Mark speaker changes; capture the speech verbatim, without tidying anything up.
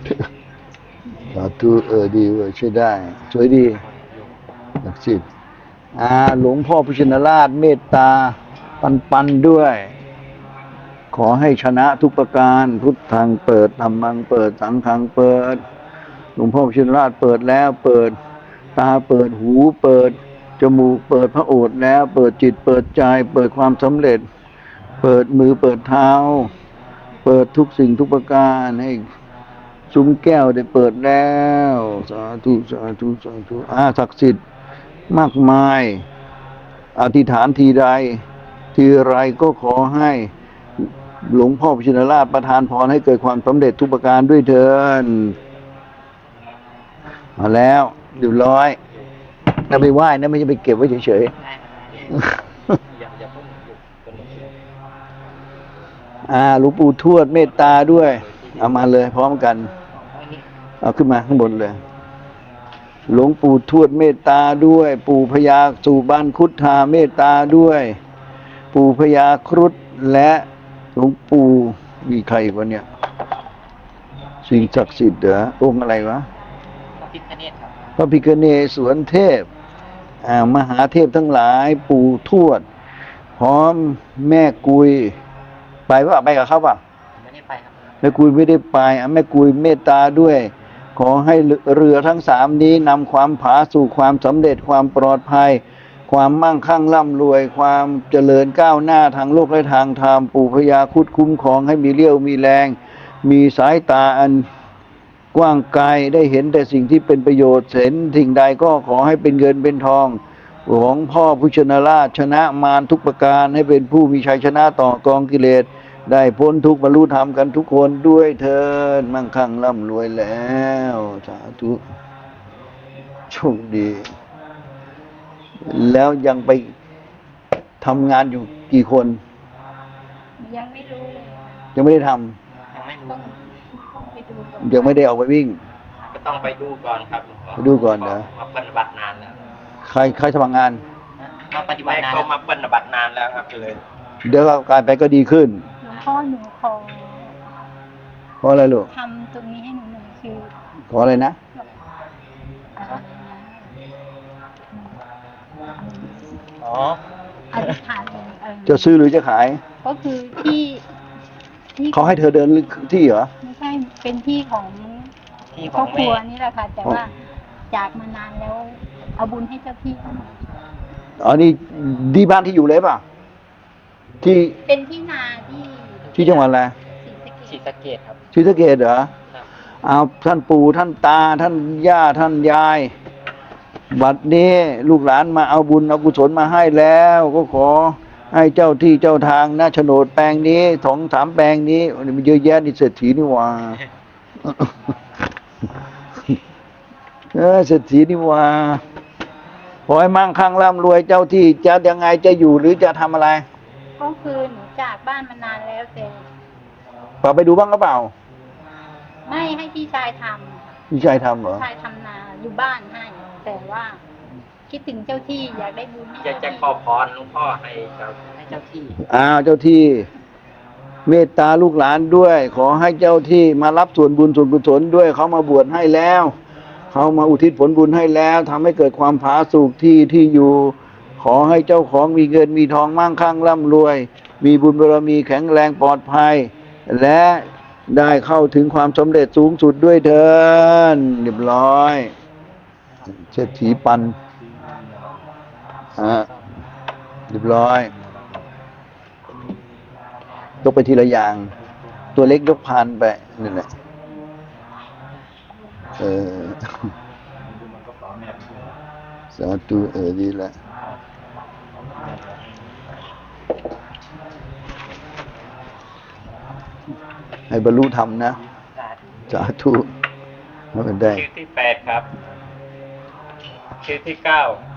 Speaker 1: สาธุเออดีเว้ยช่วยได้สวยดีศักดิ์สิทธิ์อ่าหลวงพ่อพุทธชินราชเมตตาปันปันด้วย ขอให้ชนะทุกประการพุทธังเปิดธรรมังเปิดสังฆังเปิดหลวงพ่อพุทธชินราชเปิดแล้วเปิดตาเปิดหูเปิดจมูกเปิดพระโอษฐ์แล้วเปิดจิตเปิดใจเปิดความสำเร็จเปิดมือเปิดเท้าเปิดทุกสิ่งทุกประการให้ซุ้มแก้วได้เปิดแล้วสาธุสาธุสาธุอาศักดิ์สิทธิ์มากมายอธิษฐานทีใดทีไรก็ขอให้หลวงพ่อพุทธชินราชประทานพรให้เกิดความสำเร็จทุกประการด้วยเถิดมาแล้วเรียบร้อยน่าไปไหว้นะไม่ใช่ไปเก็บไว้เฉยๆอ่าหลวงปู่ทวดเมตตาด้วยเอามาเลยพร้อมกันเอาขึ้นมาข้างบนเลยหลวงปู่ทวดเมตตาด้วยปู่พญาสุบานคุฑาเมตตาด้วยปู่พญาครุฑและหลวงปู่มีใครวะเนี่ยสิ่งศักดิ์สิทธิ์เหรอองค์อะไรวะพระพิฆเนศครับพระพิฆเนศสวนเทพอ่ามหาเทพทั้งหลายปู่ทวดพร้อมแม่กุยไปว่าไปกับเขาป่ะไม่ได้ไปครับแม่กุยไม่ได้ไปอ่ะแม่กุยเมตตาด้วยขอให้เรือทั้งสามนี้นำความผาสู่ความสำเร็จความปลอดภัยความมั่งคั่งร่ำรวยความเจริญก้าวหน้าทางโลกและทางธรรมปู่พญาครุฑคุ้มครองให้มีเรี่ยวมีแรงมีสายตาอันกว้างไกลได้เห็นแต่สิ่งที่เป็นประโยชน์เห็นสิ่งใดก็ขอให้เป็นเงินเป็นทองของพ่อพุทธชินราชชนะมารทุกประการให้เป็นผู้มีชัยชนะต่อกองกิเลสได้พ้นทุกข์บรรลุธรรมกันทุกคนด้วยเถิดมั่งคั่งร่ำรวยแล้วสาธุโชคดีแล้วยังไปทำงานอยู่กี่คน
Speaker 2: ยังไม่รู้เลย
Speaker 1: ยังไม่ได้ทำ
Speaker 2: ยังไม่รู้ไปดูก่อน
Speaker 1: ยังไม่ได้ออกไปวิ่ง
Speaker 3: ก็ต้องไปดูก่อนครับ
Speaker 1: ไปดูก่อนนะ
Speaker 3: มาปฏิบัตินานแล้ว
Speaker 1: ใครใครสมัครงาน
Speaker 3: มาปฏิบัตินานเขามาปฏิบัตินานแล้วครับเลย
Speaker 1: เดี๋ยวการไปก็ดีขึ้น
Speaker 2: หลวงพ่อหนูขอ
Speaker 1: ขออะไรลูก
Speaker 2: ทำตรงนี้ให้หนูหน่อยคือ
Speaker 1: ขออะไรนะ
Speaker 3: อ๋อ
Speaker 2: อธิษฐาน
Speaker 1: จะซื้อหรือจะขาย
Speaker 2: ก็คือที่
Speaker 1: ที่เขาให้เธอเดินที่เหรอ
Speaker 2: ไม่ใช่เป็นที่ของที่ครอบครัวนี่แหละค่ะแต่ว่าจากมานานแล้วเอาบุญให้เจ้าที่
Speaker 1: อ๋อนี่ดีบ้านที่อยู่เลยป่ะที่
Speaker 2: เป็นที่นาที่
Speaker 1: ที่จังหวัดอะไร
Speaker 3: ศรีสะเกษครับ
Speaker 1: ศรีสะเกษเหรอเอาท่านปู่ท่านตาท่านย่าท่านยายบัดนี้ลูกหลานมาเอาบุญเอากุศลมาให้แล้วก็ขอให้เจ้าที่เจ้าทางนะโฉนดแปลงนี้สองสามแปลงนี้มันเยอะแยะนี่เศรษฐีนี่ว่าเออเศรษฐีนี่ว่าขอให้มั่งคั่งร่ำรวยเจ้าที่จะยังไงจะอยู่หรือจะทำอะไร
Speaker 2: ก็คือหนูจากบ้านมานานแล้วแต่
Speaker 1: พาไปดูบ้างหรือเปล่า
Speaker 2: ไม่ให้พี่ชายทำ
Speaker 1: พี่ชายทำเหรอ
Speaker 2: พี่ชายทำนาอยู่บ้านให้แต่ว่าคิดถึงเจ้าที่อยากได้บุญ
Speaker 3: อยากจะขอพรหลวงพ่อให้เจ้าให้เจ้าที่
Speaker 1: อ้าวเจ้าที่เมตตาลูกหลานด้วยขอให้เจ้าที่มารับส่วนบุญส่วนกุศลด้วยเขามาบวชให้แล้วเขามาอุทิศผลบุญให้แล้วทำให้เกิดความผาสุกที่ที่อยู่ขอให้เจ้าของมีเงินมีทองมั่งคั่งร่ำรวยมีบุญบารมีแข็งแรงปลอดภัยและได้เข้าถึงความสำเร็จสูงสุดด้วยเถิดเรียบร้อยเศรษฐีปันอ่าเรียบร้อยยกไปทีละอย่างตัวเล็กยกพานไปนั่นแหละเออสาธุเออดีละให้บรรลุธรรมนะสาธุให้มันได้
Speaker 3: ชื่อที่แปดครับชื่อที่เก้า